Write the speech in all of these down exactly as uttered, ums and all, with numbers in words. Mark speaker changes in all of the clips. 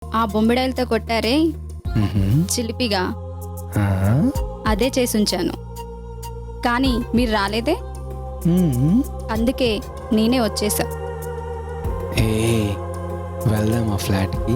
Speaker 1: ఆ బొమ్మిడాయలతో కొట్టారే చిలిపిగా, అదే చేసి ఉంచాను. కానీ మీరు రాలేదే, అందుకే నేనే వచ్చేసా.
Speaker 2: ఏ వెళ్దాం ఆ ఫ్లాట్కి.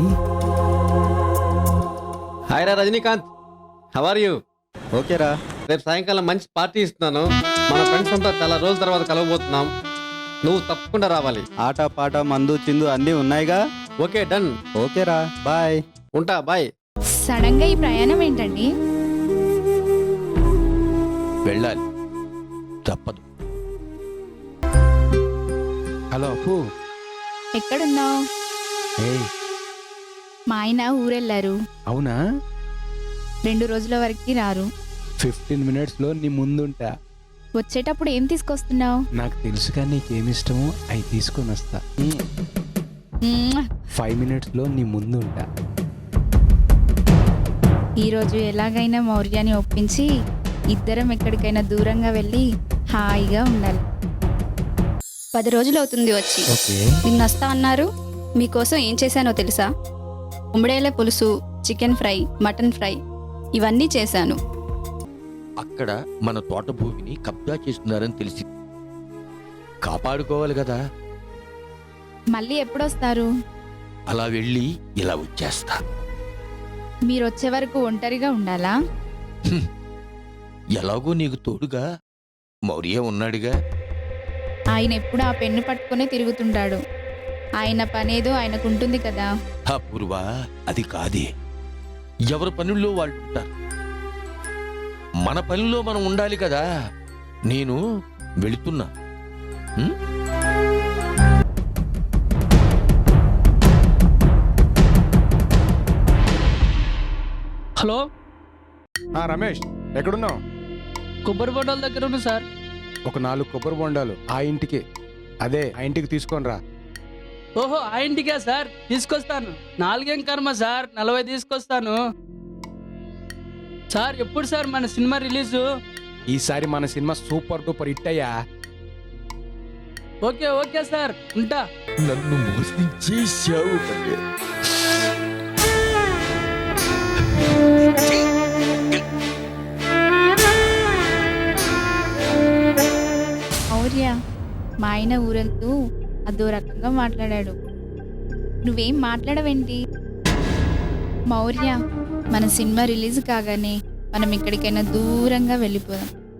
Speaker 3: హాయ్ రా రజనీకాంత్, హౌ ఆర్ యూ?
Speaker 2: ఓకేరా.
Speaker 3: రేపు సాయంకాలం మంచి పార్టీ ఇస్తున్నాను. మన ఫ్రెండ్స్ అంతా చాలా రోజుల తర్వాత కలవబోతున్నాం. నువ్వు తప్పకుండా రావాలి.
Speaker 2: ఆట పాట మందు చిందు అన్నీ ఉన్నాయిగా.
Speaker 3: Okay, done.
Speaker 2: ఓకేరా, బాయ్.
Speaker 3: ఉంటా, బాయ్.
Speaker 4: సడన్ గా ఈ ప్రయాణం ఏంటండి?
Speaker 5: వెళ్ళాలి, తప్పదు.
Speaker 2: హలో అప్పు.
Speaker 4: ఎక్కడున్నావు?
Speaker 2: ఏయ్,
Speaker 4: మా ఆయన ఊరెళ్ళారు.
Speaker 2: అవునా?
Speaker 4: రెండు రోజుల వరకు రారు.
Speaker 2: ఫిఫ్టీన్ మినిట్స్ లో నీ ముందుంటా.
Speaker 4: వచ్చేటప్పుడు ఏం తీసుకొస్తున్నావు?
Speaker 2: నాకు తెలుసుగా నీకేమి ఇష్టమో అవి తీసుకొని వస్తా. ఫైవ్ మినిట్స్ లో నీ ముందుంటా.
Speaker 4: ఈరోజు ఎలాగైనా మౌర్యాన్ని ఒప్పించి ఇద్దరం ఎక్కడికైనా దూరంగా వెళ్ళి హాయిగా ఉండాలి.
Speaker 1: పది రోజులు అవుతుంది వచ్చి.
Speaker 2: ఓకే.
Speaker 1: నిన్న వస్తా అన్నారు. మీకోసం ఏం చేశానో తెలుసా? ఉమ్మడేల పులుసు, చికెన్ ఫ్రై, మటన్ ఫ్రై ఇవన్నీ చేశాను.
Speaker 5: అక్కడ మన తోట భూమిని కబ్జా చేస్తున్నారని తెలిసి కాపాడుకోవాలి కదా.
Speaker 4: మళ్ళీ ఎప్పుడొస్తారు?
Speaker 5: అలా వెళ్ళి ఇలా వచ్చేస్తా.
Speaker 4: మీరు వచ్చే వరకు ఒంటరిగా ఉండాలా?
Speaker 5: హ్మ్. ఎలాగో నీకు తోడుగా మౌర్య ఉన్నాడుగా.
Speaker 4: ఆయన ఎప్పుడు ఆ పెన్ను పట్టుకునే తిరుగుతుంటాడు. ఆయన పనేదో ఆయనకుంటుంది కదా.
Speaker 5: అపూర్వా, అది కాదే. ఎవరి పనుల్లో వాళ్ళు ఉంటారు. మన పనిలో మనం ఉండాలి కదా. నేను వెళుతున్నా. హ్మ్?
Speaker 6: హలో
Speaker 7: రమేష్, ఎక్కడున్నావు?
Speaker 6: కొబ్బరి బొండాల దగ్గర ఉన్నా సార్.
Speaker 7: ఒక నాలుగు కొబ్బరి బొండాలు ఆ ఇంటికి, అదే ఆ ఇంటికి తీసుకొని రా.
Speaker 6: ఓహో, ఆ ఇంటికా సార్? తీసుకొస్తాను. నాలుగేం కర్మ సార్, నలభై తీసుకొస్తాను సార్. ఎప్పుడు సార్ మన సినిమా రిలీజు?
Speaker 7: ఈసారి మన సినిమా సూపర్ డూపర్ హిట్ అయ్యా.
Speaker 6: ఓకే ఓకే సార్, ఉంటా.
Speaker 5: నన్ను మోసం చేశావు.
Speaker 4: మౌర్య, మా ఆయన ఊరెళ్తూ అదో రకంగా మాట్లాడాడు. నువ్వేం మాట్లాడవేంటి? మౌర్య, మన సినిమా రిలీజ్ కాగానే మనం ఎక్కడికైనా దూరంగా వెళ్ళిపోదాం.